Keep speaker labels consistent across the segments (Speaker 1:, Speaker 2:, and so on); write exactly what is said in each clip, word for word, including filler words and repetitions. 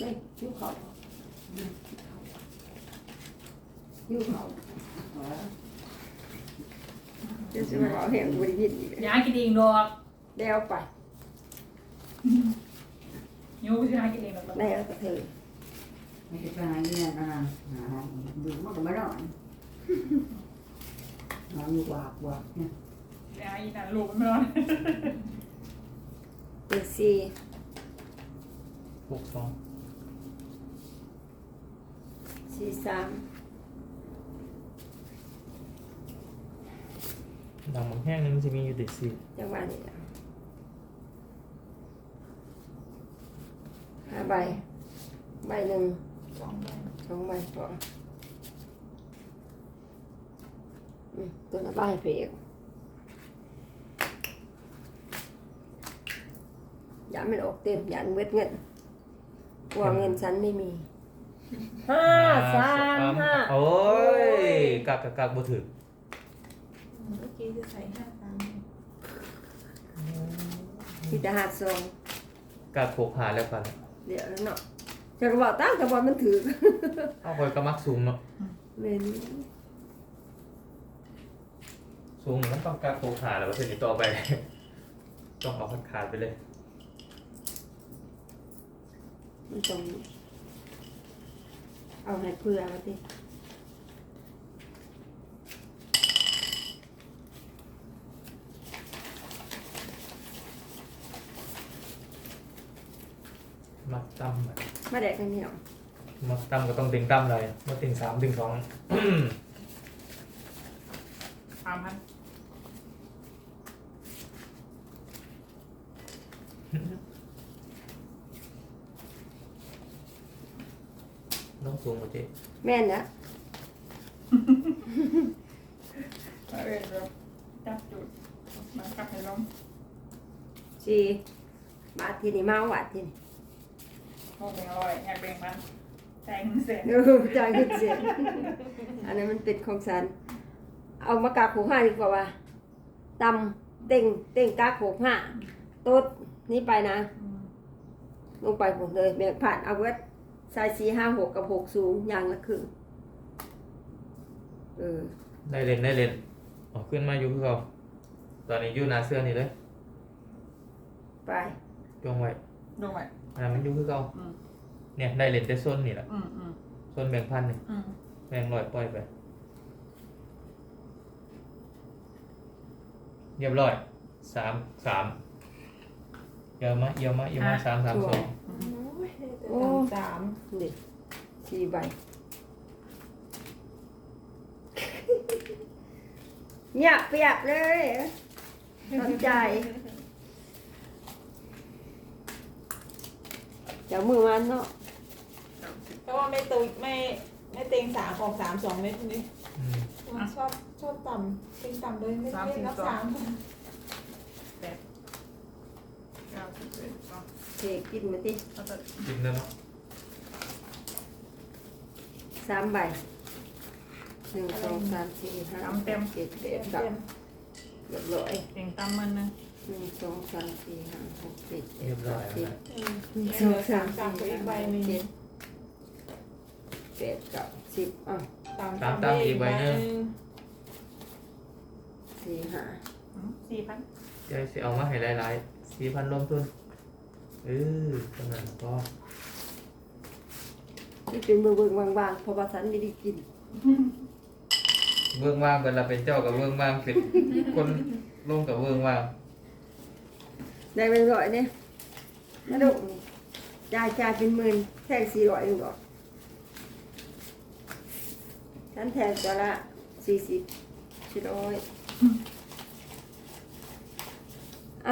Speaker 1: ฮ้ยยิ้วเขายิ้วเขาเดี๋ยวจะมาเอาแห้งบริยินอีก
Speaker 2: อย่ากินเองดอก
Speaker 1: เดี๋ยวไป
Speaker 2: ยูก็จะกินเองดอก
Speaker 1: ได้แล้วก็เธอ
Speaker 3: ไม่ใช่หาเงินนะหาดูมันก็ไม่รอดนอนอยู่วากวากเนี่ย
Speaker 2: อย่าอีนั่นลูกไม่รอด
Speaker 1: เป็นสี่
Speaker 4: หกสอง
Speaker 1: สี่สาม
Speaker 4: ดำบางแห้งนี่มันจะมีอยู่เด็ดสี่
Speaker 1: จังหวะนี้นะห้าใบใบหนึ่ง
Speaker 2: สองใบ
Speaker 1: สองใบพออืมตัวละใบเพกอย่ามันออกเต็มอย่ามันเวทเงินกลัวเงินฉันไม่มีห้าสามห้า
Speaker 4: โอ้ยกักกักกักบ่ถึง
Speaker 5: เมื่อกี้จะใส่ห้าสาม
Speaker 1: ที่จะหาดทรง
Speaker 4: กักหกหาแล้วกัน
Speaker 1: เดี๋ยวเนาะจะกระบอกตั้งกระบอกมันถือ
Speaker 4: เอาคอยกระมักสูงเนาะ
Speaker 1: เมนู
Speaker 4: สูงมันต้องกักหกหาแล้วว่าเสร็จต่อไป ต้องเอาขาดขาดไปเลย
Speaker 1: มันต้องเอาให้เพื่อมาดิ
Speaker 4: มักตั้มอะ
Speaker 1: มาแดกกันเหนียว
Speaker 4: มักตั้มก็ต้องติงตั้มเลยมาติงสามติงสอง
Speaker 2: สามพัน
Speaker 4: น้องสูงกว่าเจ๊
Speaker 1: แม่นนะ
Speaker 2: เออเดี๋ยวจับจุดมากลับให้ล้ม
Speaker 1: สี่บาทที่นี่มาวัดที่นี่
Speaker 2: โมงเป็นร้อยอยากแบ่งมันแซงเสร็จ
Speaker 1: เออจ่ายเงินเสียอันนั้นมันเป็นของฉันเอามากาขูห้าดีกว่าว่าตำเต่งเต่งกาขูห้าโต๊ดนี่ไปนะ ลงไปหมดเลยแบ่งผ่านเอาไว้ใส่สี่ห้าหกกับหกสูงอย่างละครึ่งเออ
Speaker 4: ได้เล่นได้เล่นออกขึ้นมาอยู่คือเขาตอนนี้อยู่หนาเสื้อนี่เลย
Speaker 1: ไป
Speaker 4: จงไว้
Speaker 2: ดูไหม
Speaker 4: อันนั้นมันอยู่คือเขา
Speaker 2: อืม
Speaker 4: เนี่ยได้เล่นแต่โซนนี่แหละ
Speaker 2: อืมอืม
Speaker 4: โซนแบ่งพันนี่
Speaker 2: อืม
Speaker 4: แบ่งร้อยปล่อยไปเรียบร้อยสามสามเยอะมะเยอะมะเยอะมะสามสามสอง
Speaker 1: โอ้
Speaker 5: สาม
Speaker 1: นี่สี่ใบเงียบเปียบเลยทำใจเดี๋ยวมือมันเนาะ
Speaker 5: เพราะว่าไม่ตุยไม่ไม่เต็งสามออกสามสองเม็ดนี่
Speaker 4: อืม
Speaker 5: ชอบชอบต่ำเต็งต่ำเลยไม่ไม่รับสาม
Speaker 2: แปดเก้าสิบเอ็ดสอง
Speaker 1: เทกินมาติ
Speaker 2: แล้วก็
Speaker 4: กินแล้วเนาะ
Speaker 1: สามใบหนึ่งสองสามสี่ห้าหกเจ็ดแปด
Speaker 5: เต็ม
Speaker 1: เก้า
Speaker 5: เต็ม
Speaker 1: เรียบร้อย
Speaker 2: เต็งตั้มมันนึง
Speaker 1: หนึ่งสองสามสี่ห้าหกเจ็ดแป
Speaker 4: เรีย
Speaker 1: ด
Speaker 4: บร้อ
Speaker 1: เก้าย สิบ
Speaker 4: แล้ว
Speaker 5: อืม
Speaker 1: หนึ่ง
Speaker 5: เห
Speaker 1: สอง
Speaker 5: ลือ
Speaker 1: สา
Speaker 5: สาม ม
Speaker 1: สี่
Speaker 5: ต่ำกับอีกใบ
Speaker 1: ห้า
Speaker 5: หนึ่ง
Speaker 1: เจ็ดแปดเก้าสิบอ่ะ
Speaker 5: ต่ำต่ำได้อีกใบหนึ่ง
Speaker 1: สี่ห้า
Speaker 2: สี่พัน
Speaker 4: เดี๋ยวสิเอามาให้หลายๆสี่พันรวมทุนเออขนาดนั้นก็
Speaker 1: ที่เป็นมือเบิ่งบางๆเพราะว่าฉันไม่ได้กิน
Speaker 4: เบื้องว่างเป็นเราเป็นเจ้ากับเบื้องว่างเป็นคนลงกับเบื้องว่าง
Speaker 1: ได้เป็นร้อยเนี่ยมาดูนี่จ่ายจ่ายเป็นหมื่นแทงสี่ร้อยเองก่อนฉันแทงตัวละสี่สิบสี่ร้อยอ้าว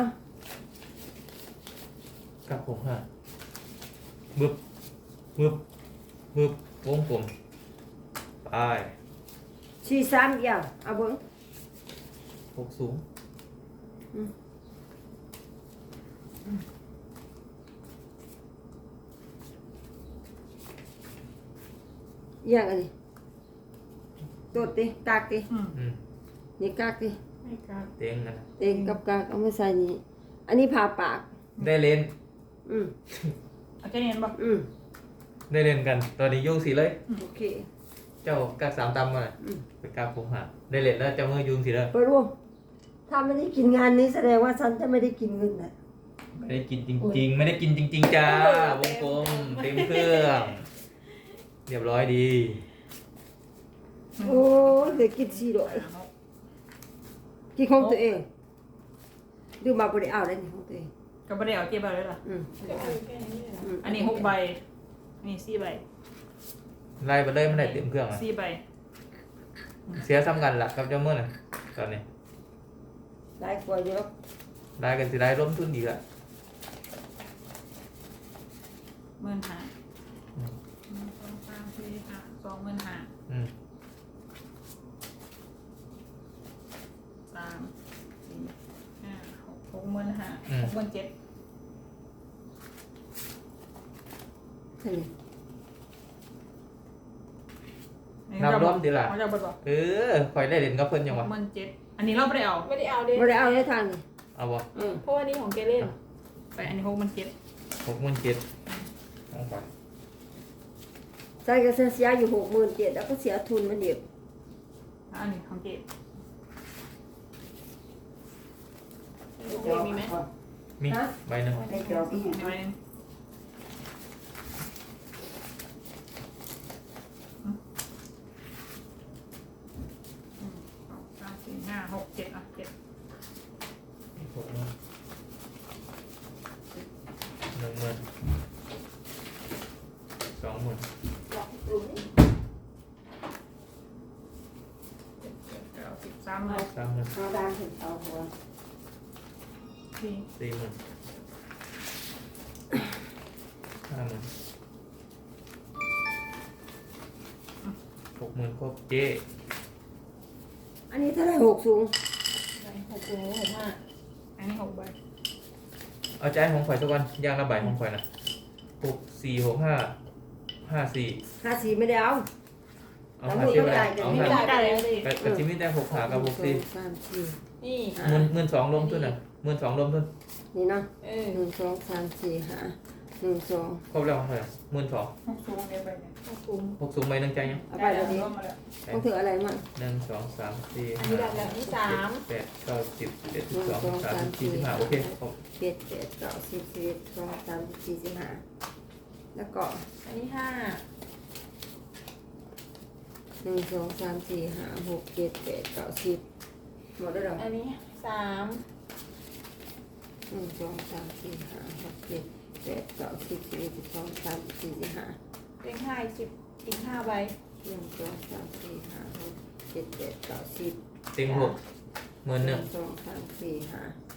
Speaker 4: กับผมฮะบึบบึบบึบวงผมไป
Speaker 1: สี่สามเดียวเอาเบิ้ง
Speaker 4: หกสูง
Speaker 1: อย่างอันนี้ตดดิกากดิ
Speaker 2: อืม
Speaker 4: อืม
Speaker 1: นี่กากดิ
Speaker 5: ไม่กลับ
Speaker 4: เต็งนะ
Speaker 1: เต็งกับกากเอามาใส่นี่อันนี้ผ่าปาก
Speaker 4: ได้เล่น
Speaker 1: อืม
Speaker 2: เอาแค่นี้บ่
Speaker 1: อืม
Speaker 4: ได้เล่นกันตอนนี้ยุ่งสิเลย
Speaker 1: โอเค
Speaker 4: เจ้ากักสามตำมา
Speaker 1: อืม
Speaker 4: เป็นกาผมหาได้เล่นแล้วเจ้ามือยุ่งสิเลย
Speaker 1: ไปร่วมถ้าไม่ได้กินงานนี้แสดงว่าฉันจะไม่ได้กินเงินนะ
Speaker 4: ไม่ได้กินจริง ๆ ไม่ได้กินจริง ๆจ้าวงกลมเต็มเครื่องเรียบร้อยดี
Speaker 1: โอ้ยเดี๋ยวกินสี่ดอก
Speaker 2: ห้าหก
Speaker 1: กินของตัวเองดูมาบริเอาได้นี่ของตัวเอง
Speaker 2: ก็ไม่ได้เอาเจ็บใบเลยล่ะ
Speaker 1: อืม
Speaker 5: เดี๋ยวคือแค่นี้เลยนะ
Speaker 1: ม
Speaker 2: อันนี้หกใบอันนี้สี่ใบ
Speaker 4: ไล่ไปเลยไม่ได้เต็มเครื่องอ่ะ
Speaker 2: สี่ใบ
Speaker 4: เสียซ้ำกันละกับเจ้ามือน่ะตอนนี้
Speaker 1: ได้กว่าเยอะ
Speaker 4: ได้กันสิได้ร่วมทุนอีกละ
Speaker 2: หมื่นห้าหนึ่งสองสามสี่ห้าสองหมื่นห้า
Speaker 4: อืม
Speaker 2: สามสี่ห้าหกหกหมื่นห้าหกหมื่นเจ็ด
Speaker 1: นี่
Speaker 4: นับร่วมดีละ
Speaker 2: เขาจะบอก
Speaker 4: เออคอยได้เล่นกับเพิ่นยัง
Speaker 2: ห
Speaker 4: วะ
Speaker 2: กหมื่นเจ็ดอันนี้เราไม่ได้เอา
Speaker 5: ไม่ได้เอาเด้
Speaker 1: บริเอาได้ทางนี่
Speaker 4: เอาบ่
Speaker 1: อืม
Speaker 5: เพราะว่านี่ของเกเล่น
Speaker 2: ไปอันนี้หกหมื่นเจ็ด
Speaker 4: หกหมื่นเจ็ดเอาไป
Speaker 1: ใจก็เสียอยู่หกหมื่นเจ็ดแล้วก็เสียทุนมันเดียว
Speaker 2: อันนี้ของเจ็ด
Speaker 5: ของเกมีไหม
Speaker 4: มีใบหนึ่ง
Speaker 3: ได้จอบอีก
Speaker 2: อันนี้ใบหนึ่งสองสามสี่ห้าหกเจ็ดอ่ะเจ็ด
Speaker 4: หกหมื่นหนึ่งหมื่นสองหมื่น
Speaker 5: หลอกหลุม
Speaker 2: เจ็ดแปดเก้าสิบสามหมื่น
Speaker 4: สามหมื่น
Speaker 1: เอาดานถึงเอาหัว
Speaker 2: สี่
Speaker 4: สี่หมื่นห้าหมื่นหกหมื่นครบเจ๊
Speaker 1: อันนี้เท่าไหรหกสูง
Speaker 5: หกสูงหกห้า
Speaker 2: อันนี้หกใบ
Speaker 4: เอาใจของข่อยสักวันย่างละใบของข่อยนะหกสี่หกห้าห้าสี่
Speaker 1: ห้าสี่ไม่ได้เอา
Speaker 4: เอาห้าสี่ไปเอา
Speaker 5: ไม่
Speaker 4: ห้า
Speaker 5: ได้ไปแล้วดิ
Speaker 4: แต่แต่จิมมี่ได้หกขากับหกสี่
Speaker 1: นึ่งสองสามสี่
Speaker 5: นี่
Speaker 4: หมื่นหมื่นสองรวมทุนอ่ะหมื่นสองรวมทุน
Speaker 1: นี่เนาะ
Speaker 5: เออ
Speaker 1: หนึ่งสองสามสี่ห้าหนึ่งสอง
Speaker 4: ครบแล้วของข่อยหมื่นสอง
Speaker 2: หกสูงเดียวไปเนี่ย
Speaker 5: หกสูง
Speaker 4: หกสูงใบหนึ่งใจยัง
Speaker 1: เอาไปเลยดิ
Speaker 2: รวมมาแล้ว
Speaker 1: ต้องถืออะไรมั่ง
Speaker 4: หนึ่งสองสามสี่
Speaker 5: อัน
Speaker 4: ห้า
Speaker 5: นี้ได้แล้วนี่สาม
Speaker 4: แปดเก้าสิบเอ็ดสิบสองสิบสามสิบสี่สิบห้าโอเคครบ
Speaker 1: เจ็ดแปดเก้าสิบสิบเอ็ดสองสามสิบสี่สิบห้าแล้วก็
Speaker 5: อันนี้ห้า
Speaker 1: หนึ่งสองสามสี่ห้าหกเจ็ดแปดเก้าสิบหมดแล้วเหรอ
Speaker 5: อันนี้สาม
Speaker 1: หนึ่งสองสามสี่ห้าหกเจ็ดแปดเก้าสิบสิบเอ็ดสิบสองสิบสามสิบสี่สิบห้า
Speaker 5: เลขห้าอีกสิบอีกห้าใบ
Speaker 1: หนึ่งสองสามสี่ห้าหกเจ็ดแปดเก้าสิบ
Speaker 4: เต็งหกหมื่น
Speaker 1: ห
Speaker 4: ห
Speaker 1: นึ่
Speaker 4: นึ่
Speaker 1: ง
Speaker 4: ง
Speaker 1: สองสามสี่ห้า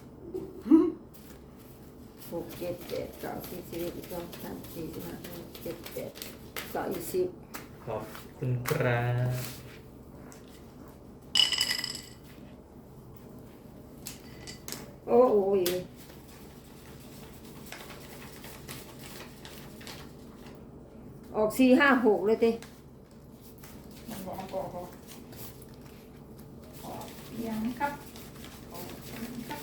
Speaker 1: หกเจ็ดแปดเก้าสิบสิบเอ็ดสิบสองสิบสามสิบสี่สิบห้าหกเจ็ดแปดเก้ายี่สิบ
Speaker 4: ขอบคุณครับ
Speaker 1: โอ้โหออกสี่ห้าหกเลยเต้
Speaker 2: มันบอกมันบอกเขาขอเพียงครับขอเพียงครับ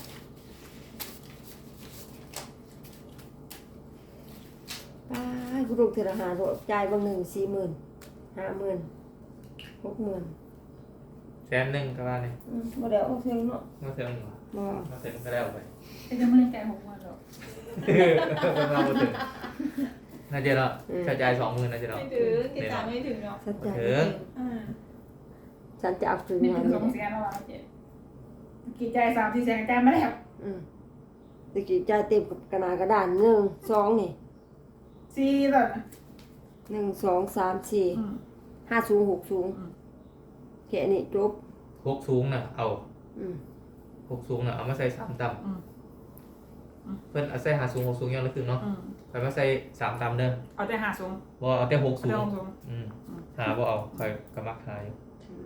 Speaker 1: ป้าคุณลูกเทระหาโรจ่ายบางหนึ่งสี่หมื่นห้าหมื่นหกหมื่น
Speaker 4: แสนหนึ่งก็ว่าเลย
Speaker 1: อืมมาเดี๋ยวเอาเท่าเนาะ
Speaker 4: มาเถิงเหรอ
Speaker 1: มา
Speaker 4: มาเถิงก็แล้วไป
Speaker 2: แต่จะไม่ได้ใจหกวันหรอก
Speaker 4: มาบ่ถึงน่าจะเนาะกระจายสองหมื่นน่าจะเนาะ
Speaker 5: ไม่ถึงเกสามไม่ถึงหรอก
Speaker 1: ฉันจ่าย
Speaker 4: เออ
Speaker 5: อ่า
Speaker 1: ฉันจะเอาคืน
Speaker 2: นี่
Speaker 1: งาน
Speaker 2: ถึง
Speaker 1: เล
Speaker 2: สอง
Speaker 1: ย
Speaker 2: แสนแล้วอ่ะเจ๊กี่ใจสามสี่แสนใจมาแล้ว
Speaker 1: อืมตะกี้จ่ายเต็มกับกระดาษกระดานหนึ่งสองนี่
Speaker 2: สี่แบบ
Speaker 1: หนึ่งสองสามสี่ห้าสูงหกสูงแค่นี้จบ
Speaker 4: หกสูงน่ะเอา
Speaker 1: อืม
Speaker 4: หกสูงน่ะเอามาใส่สามต่ำเพื่อนเอาใส่หาสูงหกสูงยังละครึ่งเนาะใครมาใส่สามต่ำเด้อ
Speaker 2: เอาแต่หาสูง
Speaker 4: บ่เอาแต่หก
Speaker 2: เอา
Speaker 4: สู
Speaker 2: แต่
Speaker 4: ง
Speaker 2: หกสูง
Speaker 4: อืมหาบ่เอาใครกำมักหาอยู่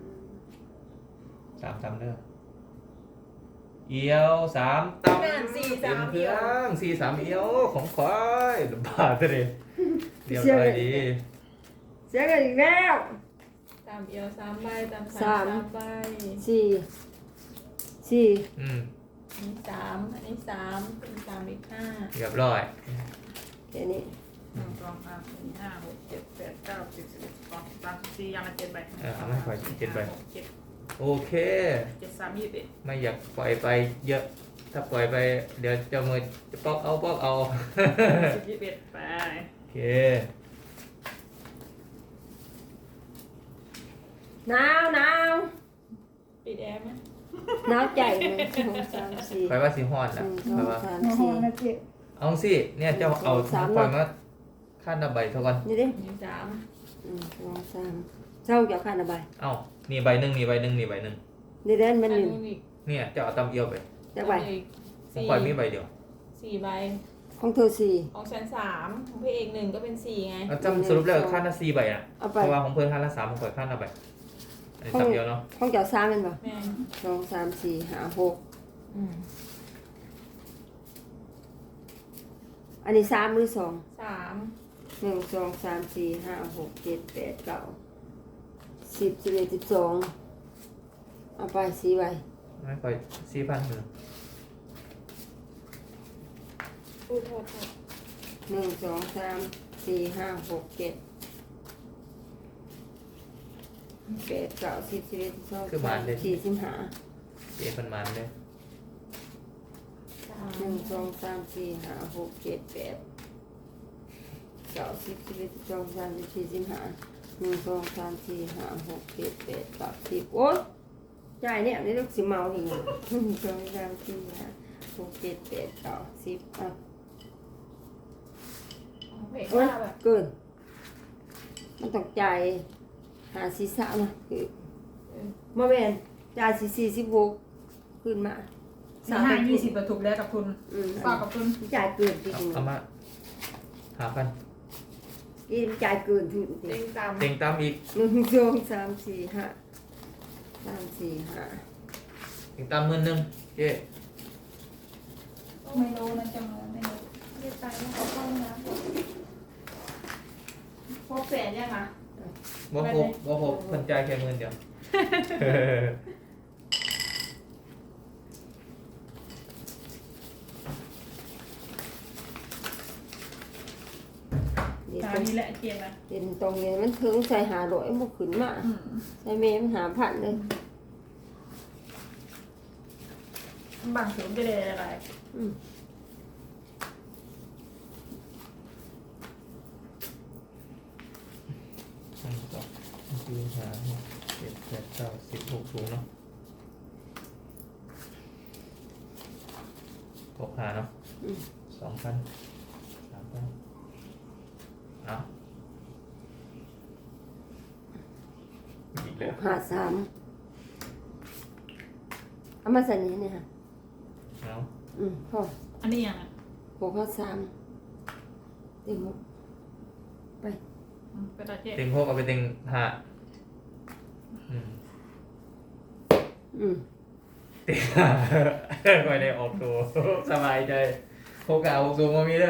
Speaker 4: สามต่ำเด้อเอียวสามต่ำ
Speaker 5: แม่นสี่
Speaker 4: เต็
Speaker 5: สาม
Speaker 4: เค
Speaker 5: เดี
Speaker 4: รื่
Speaker 5: ย
Speaker 4: อ
Speaker 5: ว
Speaker 4: งสี่สามเอียวของควายบาทเลยเรียบร้อยดี
Speaker 1: เสียกันอีกแล้ว
Speaker 5: สามเอียวสามใบสาม
Speaker 1: สาม
Speaker 5: สามใบ
Speaker 1: สี่สี่
Speaker 4: อืม
Speaker 5: อันนี้สามอันนี้สามเป็นสามอีกห้า
Speaker 4: เรียบร้อย
Speaker 1: แค่นี้
Speaker 4: อ
Speaker 2: หนึ่งสองสามสี่ห้าหกเจ็ดแปดเก้าสิบสิบเอ็ดสิบสองสิบสามสิบสี่ยังละเจ็ดใบ
Speaker 4: เออเอาไม่ค่อยเจ็ดใบ
Speaker 2: หกเจ็ด
Speaker 4: โอเค
Speaker 2: เจ็ดสามยี่สิบเอ็ด
Speaker 4: ไม่อยากปล่อยไปเยอะ ถ้าปล่อยไป เดี๋ยวเจะมือจะปอกเอาปอกเอา
Speaker 2: สิบยี่สิบเอ็ดไป
Speaker 4: โอเค
Speaker 1: หนาวหนาว
Speaker 5: ปิดแอร์ไหม
Speaker 1: หนาวใจหนึ่งสองสามสี่
Speaker 4: ไปว่าสีฮอด
Speaker 1: ห
Speaker 4: นะ
Speaker 1: นึ่งส
Speaker 4: ไป
Speaker 1: อง
Speaker 4: ว่า
Speaker 1: สาม
Speaker 2: โอ้โห
Speaker 1: สี่
Speaker 2: นะเจ๊
Speaker 4: เอาสิ เนี่ยเจ้าเอา
Speaker 1: สาม
Speaker 4: ปล่อยมาขั้นระใบเท่ากัน
Speaker 1: นี่ดิ
Speaker 5: หนึ่งสาม
Speaker 1: หนึ่งสองสามเจ้าเกี่ยวข้านอะไร
Speaker 4: เอ้านี่ใบหนึ่งนี่ใบหนึ่งนี่ใบหนึ่ง
Speaker 1: นี่เด่น
Speaker 5: อั
Speaker 1: มัน นหนึ่ง
Speaker 5: นู้นอีก
Speaker 4: เนี่ยเจ้าเอาตำเอียวไป
Speaker 1: จะไป
Speaker 5: อีก
Speaker 4: ผม
Speaker 5: สี่
Speaker 4: ปล่อยมีใบเดียว
Speaker 5: สี่ใบ
Speaker 1: ของเธอสี่
Speaker 5: ของฉันสามของพี่เอกหนึ่งก็เป็นสี่ไง
Speaker 4: เอาจำสรุปแล้วขั้นละสี่ใบอ่ะ
Speaker 1: เอา
Speaker 4: เพ
Speaker 1: ไป
Speaker 4: ราะว่าของเพื่อนขั้นละสามผมปล่อยขั้นละใบอันนี้ตำเดียวเนาะ
Speaker 1: ของเจ้าสามเป็นป่ะ
Speaker 5: แม่
Speaker 1: สองสามสี่ห้าหก
Speaker 5: อืม
Speaker 1: อันนี้สามหรือสอง
Speaker 5: สาม
Speaker 1: หนึ่งสองสามสี่ห้าหกเจ็ดแปดเก้าสิบสิบเอ็ดสิบสองเอาไปสี่ใบ
Speaker 4: ไม่ปล่อยสี่พันเลย
Speaker 5: พูดโทษโทษ
Speaker 1: หนึ่งสองสามสี่ห้าหกเจ็ดแปดเก้าสิบสิบเอ็ดสิบสองสิบสามสี่สิบห้า
Speaker 4: เจ๊เป็นมันเลย
Speaker 5: สาม
Speaker 1: หนึ่งสองสามสี่ห้าหกเจ็ดแปดเก้าสิบสิบเอ็ดสิบสองสิบสามสิบสี่สิบห้าหนึ่งสองสามสี่ห้าหกเจ็ดแปดเก้าสิบโอ๊ยจ่ายเนี่ยนี่ลูกสิเมาอีกหนึ่งสองสามสี่ห้าหกเจ็ดแปดเก้าสิบอ่ะ
Speaker 5: ของพี่เอก
Speaker 1: โอ๊ย
Speaker 5: ห้าแบบ
Speaker 1: เกินมันต้องจ่ายหาศีรษะนะคือมาเวนจ่ายสี่สี่สิบหกขึ้นมา
Speaker 2: สี่ห้ายี่สิบประทุกแล้วกับคุณ
Speaker 1: อืม
Speaker 2: ฝากกับคุณ
Speaker 1: จ่ายเกินจริ
Speaker 4: เอา
Speaker 1: ง
Speaker 4: เอามาหาพัน
Speaker 1: ๆนี่จ่ายเกินทุนจริ
Speaker 5: เต็
Speaker 1: ง
Speaker 5: งต่ำ
Speaker 4: เต็งตามอีก
Speaker 1: หนึ่งสองสามสี่ห้าสามสี่ห้า
Speaker 4: เต็งตามหมื่นหนึ่งเจ๊
Speaker 2: ไม่รู้นะจังเลยไม่รู้
Speaker 5: เรียกตายแล้วขอเข้าห้องน้ำก่อน
Speaker 2: พบแสนยังอ่ะ
Speaker 4: บ่ครบบ่ครบเพิ่นจ่ายแค่หมื่นเดียว
Speaker 1: เดี๋ยว
Speaker 2: ตา
Speaker 1: ตรง
Speaker 2: นี้แหละเกียนนะ
Speaker 1: เดี๋ยวตรงนี้มันถึงใส่หาร้อยมันขึ้นมา
Speaker 2: อืม
Speaker 1: ใส่เมย์มันหาพันเลย
Speaker 2: บางสูงจะได้อะไร
Speaker 1: อืม
Speaker 4: หนึ่งสองสามสี่ห้าหกเจ็ดแปดเก้าสิบหกสูงเนาะหกหาเนาะ
Speaker 1: อืม
Speaker 4: สองพันสามพันเอาอีกแล้ว
Speaker 1: หาสามเอามาใส่นี้เนี่ยค่ะ
Speaker 4: เอา
Speaker 1: อืมพอ
Speaker 2: อันนี้ยังอ่ะ
Speaker 1: หกห้าสามติงหกไป
Speaker 2: อืมไปตาเจ๊
Speaker 4: เต็งหกเอาไปเต็งห้าอืม
Speaker 1: อืม
Speaker 4: เต็งห้าไม่ได้ออกตัวสบายใจหกเอาหกสูงมามีเด้อ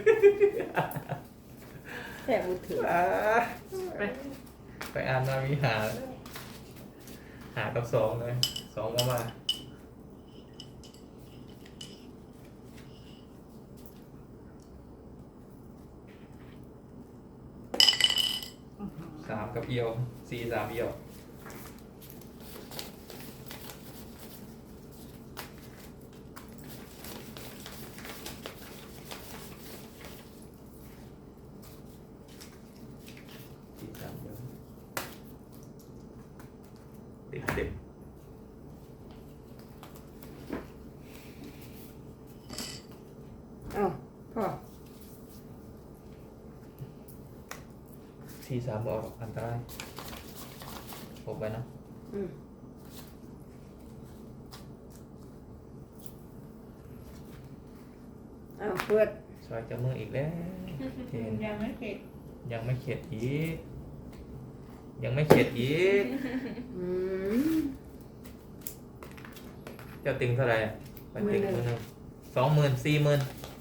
Speaker 1: แต่มือถือ
Speaker 4: อ่า
Speaker 2: ไป
Speaker 4: ไปอ่านมามีหา หากับสองเลยสองมามาสามกับเอียวสี่สามเอียวสี่สามเอียวเด็กเด็ก
Speaker 1: เอาพอ
Speaker 4: สี่สามออกอันตรายผมไปนะ
Speaker 1: อืมเอาเปิด
Speaker 4: ซอยจะมืออีกแล้วเห็น
Speaker 2: ยังไม่เสร็จ
Speaker 4: ยังไม่เข็ดอีก ยังไม่เข็ดอีก
Speaker 1: อืม
Speaker 4: เจ้าติงเท่าไหร่อะไปติง
Speaker 1: หมื่
Speaker 4: มื
Speaker 1: น
Speaker 4: อ
Speaker 1: หนึ่ง
Speaker 4: หนึ่งสองหมื่นสี่หมื่น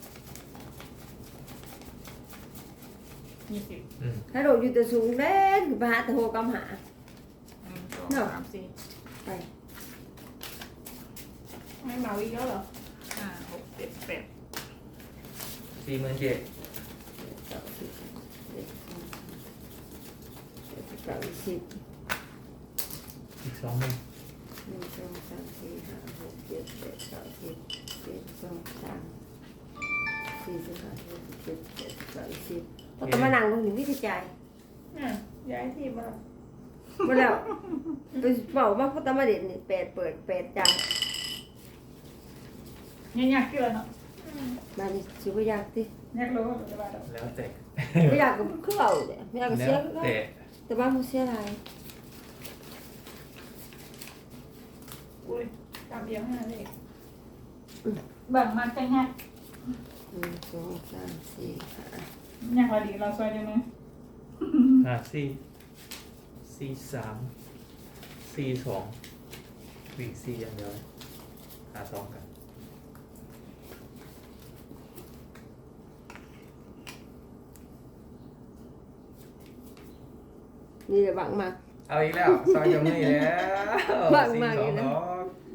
Speaker 2: ยี่สิบ
Speaker 4: อืม
Speaker 1: ถ้าโดดอยู่แต่สูงเด่นคือไปหาแต่โหกำหา
Speaker 2: หนึ่งสอง
Speaker 1: เนาะ
Speaker 2: สามสี่
Speaker 1: ไป
Speaker 5: ไม่เมาอีกแล้วเหรอ
Speaker 2: ห้าหกเจ็ดแปด
Speaker 4: สี่หมื่นเจ็ด
Speaker 1: เก้าสิบเอ็ดสองเจ็ดสิบเก้าสิบ
Speaker 4: อีกสองหนึ่ง
Speaker 1: หนึ่งสองสามสี่ห้าหกเจ็ดแปดเก้าสิบเจ็ดสองสามสี่สิบห้าหกสิบเจ็ดแปดเก้าสิบก็ต้องมานั่งลงหนึ่งวิธีจ่าย
Speaker 5: อ่ะย้ายที่มา
Speaker 1: มาแล้วไปเป่ามาพุทธมาเด็ดนี่แปดเปิดแปดจ่าย
Speaker 2: ยังยากกี่แล้วเนาะ
Speaker 1: มานี่ชิบอยากที่
Speaker 2: ยากรู้ว่าจะมาดอก
Speaker 4: แล้วแต่
Speaker 1: ไม่อยากก็คือเอาเนี่ยไม่อยากก็
Speaker 4: แล้
Speaker 1: เสียว ก็
Speaker 4: แต่
Speaker 1: แต่ว่ามันเสียอะไร
Speaker 5: อุ้ยตามเอียงห้าเลย
Speaker 2: แบ่งมาจะยาก
Speaker 1: หนึ่งสองสามสี่ห้าย
Speaker 2: ากพอดีเราซอยได้ไหม
Speaker 4: ห้าสี่สี่สามสี่สองวิ่งสี่อย่างเดียวหาสองกัน
Speaker 1: นี่แหละบังมา
Speaker 4: เอาอีกแล้วซอยจะไม่แล้ว
Speaker 1: บ้าง
Speaker 4: สี่
Speaker 1: มาก
Speaker 4: ส
Speaker 1: เล
Speaker 4: อง
Speaker 1: ยนะ
Speaker 4: เนาะ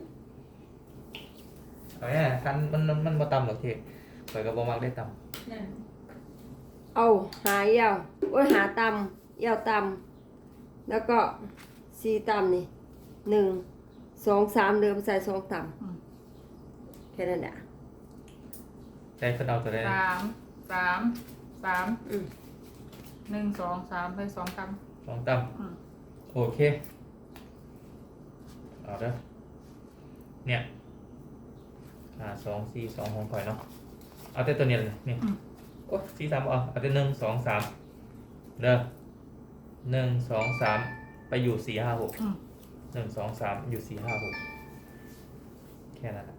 Speaker 4: เอาเนี่ยคันมันมันมันบ่ต่ำหรอกทีข่อยก็บ่มักได้ต่
Speaker 5: นั่น
Speaker 1: เอาหาเอี่ยวโอ้ยหาตำเอี่ยวตำแล้วก็สี่ตำนี่หนึ่งสองสามเดิมใส่สองตำแค่นั้นแหละ
Speaker 4: ำใจเพิ่นเอาตัวได้
Speaker 2: สามสามสาม
Speaker 1: อืม
Speaker 2: หนึ่งสองสามไปสองก
Speaker 4: สองต่
Speaker 2: ำอืม
Speaker 4: ำโอเคเอาเด้อเนี่ยอ่าสองสี่สองของข่อยเนาะเอาแต่ตัวเนี้ยเลยนี่โอ้สี่สามเอาเอาแต่หนึ่งสองสามเด้อหนึ่งสองสามไปอยู่สี่ห้าหก
Speaker 2: อืม
Speaker 4: หนึ่งสองสามอยู่สี่ห้าหกแค่นั้นแหละ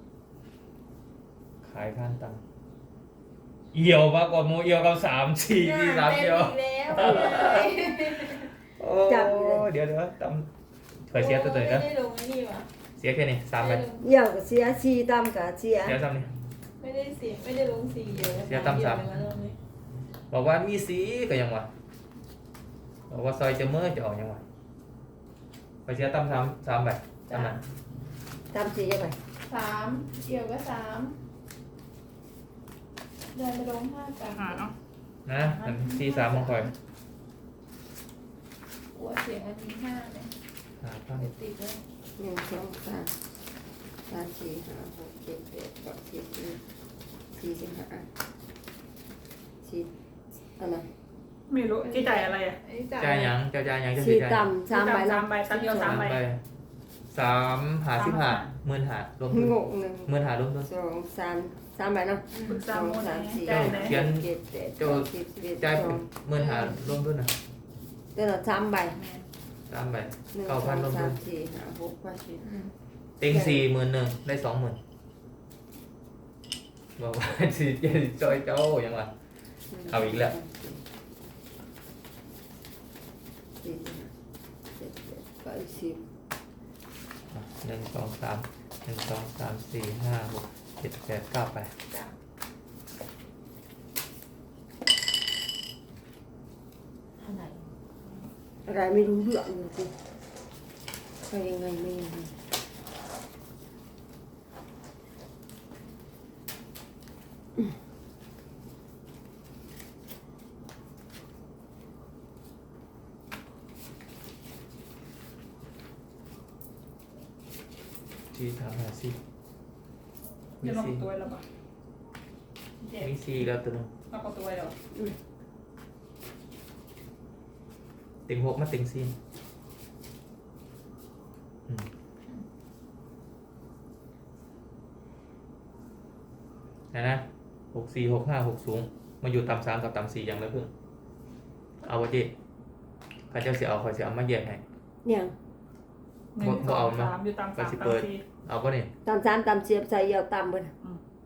Speaker 4: ขายข้างตังเอี่ยวมากกว่าโมเอี่ยวกับสามสี่สี่สามเอี่ยว
Speaker 5: เต็มอีกแล้ว
Speaker 4: โอ้เดี๋ยวเดี๋ยวตำเคยเสียตัวตัวนี้
Speaker 5: ไม่
Speaker 4: นะ
Speaker 5: ได้ลงไอ้นี่ว่ะ
Speaker 4: เสียแค่นี้สามไป
Speaker 5: ไม่ได้ลง
Speaker 1: เอี่ยวก็เสียสี่ตำก็เสีย
Speaker 4: เสียซ้ำนี่
Speaker 5: ไม่ได้เสียไม่ได้ลงสีเยอะ
Speaker 4: เสียตามสาม
Speaker 5: เดียวเลยวันนี้
Speaker 4: บอกว่ามีสีก็ยังวะบอกว่าซอยจะเมื่อจะออกยังวะไปเสียตำสามสามไปตำนั้น
Speaker 1: ตำสี่ยังไง
Speaker 5: สามเอี่ยวก็สามเดินไปลงห้ากัน
Speaker 2: หาเนาะ
Speaker 4: นะอันสี่สามของคอย
Speaker 5: หัวเสียงอันนี้ห้าเนี่ย
Speaker 4: หาข้าง
Speaker 5: เดี๋ยวติดเลย
Speaker 1: หนึ่งสองสามสามสี่ห้าหกเจ็ดแปดเก้าสิบสี่สี่สิบห้าสี่อันนั้น
Speaker 2: ไม่รู้ที่จ่ายอะไรอ่ะ
Speaker 5: ไอ้จ่าย
Speaker 4: จ่ายหยังจ่ายจ่ายหยังจะ
Speaker 1: สี่
Speaker 4: จ่าย
Speaker 1: ตำสามใบ
Speaker 2: สา
Speaker 1: เนาะ
Speaker 2: มใบตัดเดียวสา
Speaker 4: สาม ม
Speaker 2: ใบ
Speaker 4: ไปสามหาสิบห้าหมื่นหารวมทุน
Speaker 1: งงหนึ่ง
Speaker 4: หมื่นหารวมทุน
Speaker 1: สองสามสามใบเนาะ
Speaker 2: ปรึก
Speaker 1: ส
Speaker 2: ษา
Speaker 1: อง
Speaker 2: โมไหน
Speaker 1: สามสี่
Speaker 2: จ่ายไหน
Speaker 4: เขียน
Speaker 1: เจ็ดแปด
Speaker 4: โจ้
Speaker 1: เก้าสิบสิบเอ็ด
Speaker 4: จ่าย
Speaker 1: สอง
Speaker 4: หมื่นหารรวมทุนนะ
Speaker 1: เดี๋ยวเราสามใบ
Speaker 4: สามใบ
Speaker 1: หนึ่งส
Speaker 4: เก้า
Speaker 1: อง
Speaker 4: พันรวม
Speaker 1: สา
Speaker 4: ทุ
Speaker 1: ม
Speaker 4: น
Speaker 1: สี่ห้าหกแปดสิบ
Speaker 5: อืม
Speaker 4: เต็งสี่หมื่นหนึ่งได้สองหมื่นบอกว่า สี่เจ็ดจอยเจ้ายังวะ เอาอีกแล้ว
Speaker 1: สี่สิบห้าเจ็ดแปดเก้าสิบ
Speaker 4: อ่ะหนึ่งสองสามหนึ่งสองสามสี่ห้าหกเจ็ดแปดเก้าไป
Speaker 5: จ้ะอะไร
Speaker 1: อะไรไม่รู้เรื่องเลยสิไปยังไงไม่ยังไง
Speaker 4: สี่สามห้าสี่มี
Speaker 2: จะลง
Speaker 4: สี่
Speaker 2: ตัวแล้วป่ะเจ็บ
Speaker 4: มีสี่แล้วตัวหนึง
Speaker 2: เราก็ตัวแล้ว
Speaker 4: เต็งหกมาเต็งสี่อืมนะนะหกสี่หกห้าหกสูงมาอยู่ต่ำสามกับต่ำสี่อย่างละเพิ่งเอาวะเจ๊ข้าเจ้าเสียเอาคอยเสียเอามาแยกให้
Speaker 1: เนี่ย
Speaker 2: หนึ่งสองสามอยู่ตามสามตามสี่
Speaker 4: เอาก็นี่
Speaker 1: ตามสามตามเสียบใส่เอี่ยวตามเบน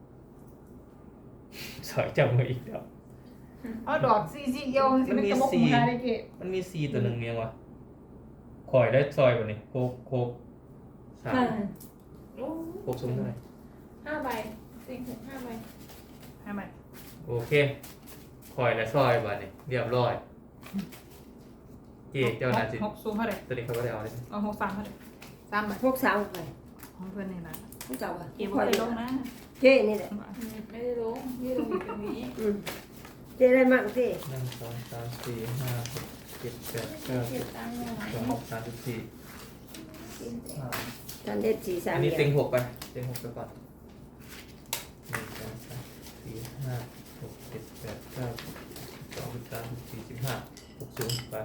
Speaker 4: สอยจับมืออีกแล้ว
Speaker 2: เอาดอกซีซีเอียวสิเป็นกระบอกหมูได้เกะ
Speaker 4: มันมีสี่ตัวหนึ่งเนี่ยวะคอยได้ซอยกว่านี้โคกโคกสาม
Speaker 5: โอ้
Speaker 4: โคกสูงเท่าไหร่
Speaker 5: ห้าใบสิงหกห้าใบ
Speaker 2: ให้ไหม
Speaker 4: โอเคคอยและซอยกว่านี้เรียบร้อยเจ๊เจ้าหน้าจิ
Speaker 2: หกซูมเท่าไหร่
Speaker 4: ตัวนี้เขาก็ได้เอาเลย
Speaker 2: เอาหกสามเท่าไหร่สามใบ
Speaker 1: พวกสาวไป
Speaker 2: ของเพื่อนนี่นะ
Speaker 1: พวกเจ้าอะ
Speaker 2: เก็บไว้ลงนะ
Speaker 1: เจ๊นี่แหละ
Speaker 5: อืมไม่ได้ลงไม่ได้ลงอยู่ตรงนี้
Speaker 1: อืมเจ๊ได้มั่งสิ
Speaker 4: หนึ่งสองสามสี่ห้าหกเจ็ดแปดเก้า
Speaker 5: เก็
Speaker 4: สิ
Speaker 5: บบ ตังค์ยังไง
Speaker 4: สองสามสิบสี่
Speaker 5: กินแต่
Speaker 4: ห้า
Speaker 1: ท่านเด็ดสี่สาม
Speaker 4: อันนี้
Speaker 1: เดี
Speaker 4: เต็
Speaker 1: ย
Speaker 4: ง
Speaker 1: ว
Speaker 4: หกไปเต็งหกไปก่อนหนึ่งสองสามสี่ห้าหกเจ็ดแปดเก้าสิบสองสิบสามสิบสี่สิบห้าหกสูงไป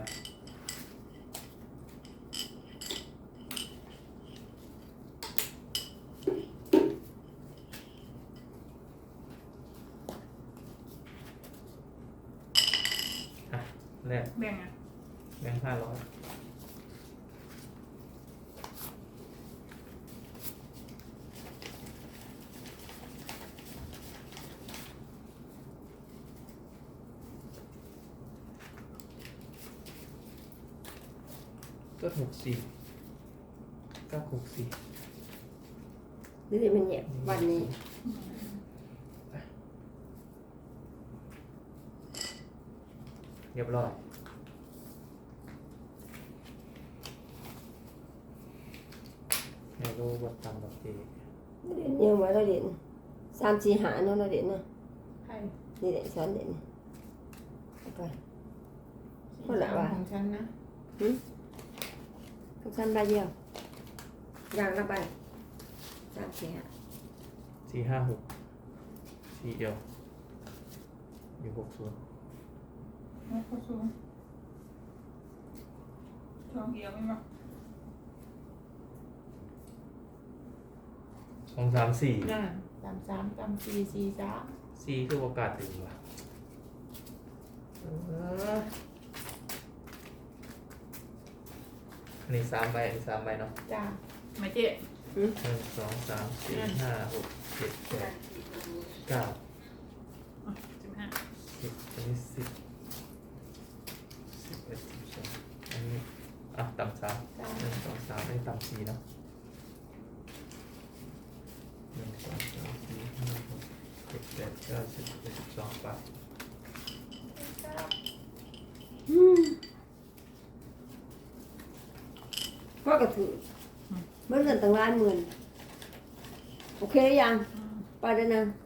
Speaker 4: อ่ะแรก
Speaker 2: แบ่งอ่ะ
Speaker 4: แบงค์ห้าร้อยก็หกสี่เก้าหกสี่
Speaker 1: นี่สิมันเงียบวันนี้
Speaker 4: เรียบร้อยไม่รู้ว่าตามแบบเอ
Speaker 1: เด่นยังไว้เราเด่นสามสี่หาเนาะเราเด่นเนาะ
Speaker 5: ใคร
Speaker 1: นี่เด่นสอนเด่นเอาไป
Speaker 5: สามของฉันนะ
Speaker 1: ทุกท่านใบเดียวอย่างละใบสามสี่หา
Speaker 4: สี่ห้าหกสี่เอียวอยู่หกศูนย์
Speaker 2: ไม่เข้าสูงช่องเดียวไม่มา
Speaker 4: สองสามสี่
Speaker 5: น่ะสามสามสามสี่สี่สาม
Speaker 4: สี่คือโอกาสถึงว่ะเอออันนี้สามใบอันนี้สามใบเนาะ
Speaker 5: จ้า
Speaker 2: ไม่เจ๊
Speaker 4: หนึ่งสองสามสี่ห้าหกเจ็ดแปดเก้า
Speaker 2: สิบห้า
Speaker 4: สิบอันนี้สิบสิบเอ็ดสิบสองอันนี้อ่ะต่ำสาม
Speaker 5: จ้า
Speaker 4: หนึ่งสองสามได้ต่ำสี่เนาะหนึ่งสองสามสี่ห้าหกเจ็ดแปดเก้าสิบสิบเอ็ดสิบสองไป
Speaker 1: พ่อกระถือเมื่อเงินตั้งล้านหมื่นโอเคหรือยัง
Speaker 2: อืม
Speaker 1: ไปเด้อนะ
Speaker 2: โ